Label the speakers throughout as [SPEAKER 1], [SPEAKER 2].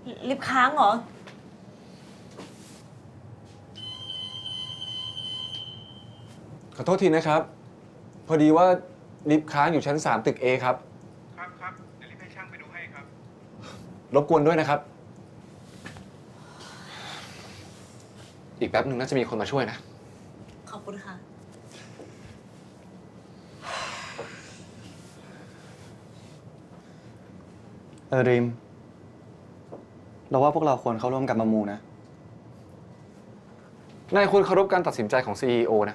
[SPEAKER 1] ลิฟต์ค้างเหรอ
[SPEAKER 2] ขอโทษทีนะครับ พอดีว่าลิฟต์ค้างอยู่ชั้น 3 ตึก A ครับ
[SPEAKER 3] ครับ เดี๋ยวรีบให้ช่างไปดูให้ครับ
[SPEAKER 2] รบกวนด้วยนะครับ อีกแป๊บหนึ่งน่าจะมีคนมาช่วยนะ
[SPEAKER 1] ขอบคุณค่ะ
[SPEAKER 4] ริมเราว่าพวกเราควรเข้าร่วมกันประมูลนะ
[SPEAKER 2] นายควรเคารพการตัดสินใจของ CEO นะ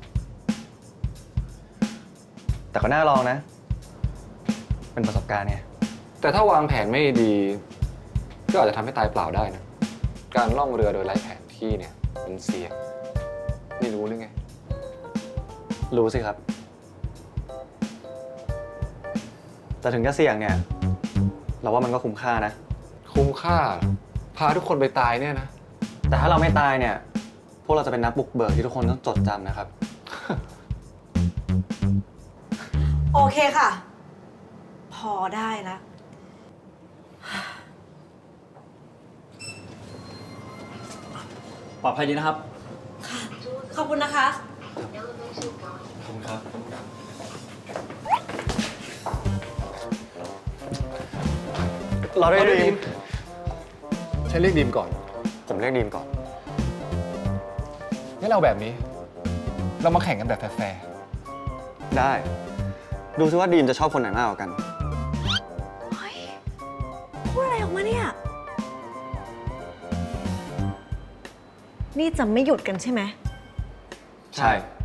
[SPEAKER 4] แต่ก็น่าลองนะ เป็นประสบการณ์ไง
[SPEAKER 2] แต่ถ้าวางแผนไม่ดี ก็อาจจะทำให้ตายเปล่าได้นะ การล่องเรือโดยไร้แผนที่เนี่ยมันเสี่ยงไม่รู้หรือไง
[SPEAKER 4] รู้สิครับ แต่ถึงจะเสี่ยงเนี่ย เราว่ามันก็คุ้มค่านะ
[SPEAKER 2] คุ้มค่าเหรอพาทุกคนไปตายเนี่ยนะ
[SPEAKER 4] แต่ถ้าเราไม่ตายเนี่ย พวกเราจะเป็นนักบุกเบิกที่ทุกคนต้องจดจำนะครับ
[SPEAKER 1] โอเคค่ะ พอได้แล้ว
[SPEAKER 5] ปลอดภัยดีนะครับ
[SPEAKER 1] ขอบคุณนะคะ
[SPEAKER 4] ขอบคุณครับ เราได้ดีม
[SPEAKER 2] ฉันเรียกดีมก่อน
[SPEAKER 4] ผมเรียกดีมก่อน
[SPEAKER 2] งั้นเราแบบนี้ เรามาแข่งกันแบบแฟร์
[SPEAKER 4] ได้ ดูซิว่าดีมจะชอบคนไหนมากกว่ากัน
[SPEAKER 1] เฮ้ย พูดอะไรออกมาเนี่ย นี่จะไม่หยุดกันใช่ไหม
[SPEAKER 4] ใช่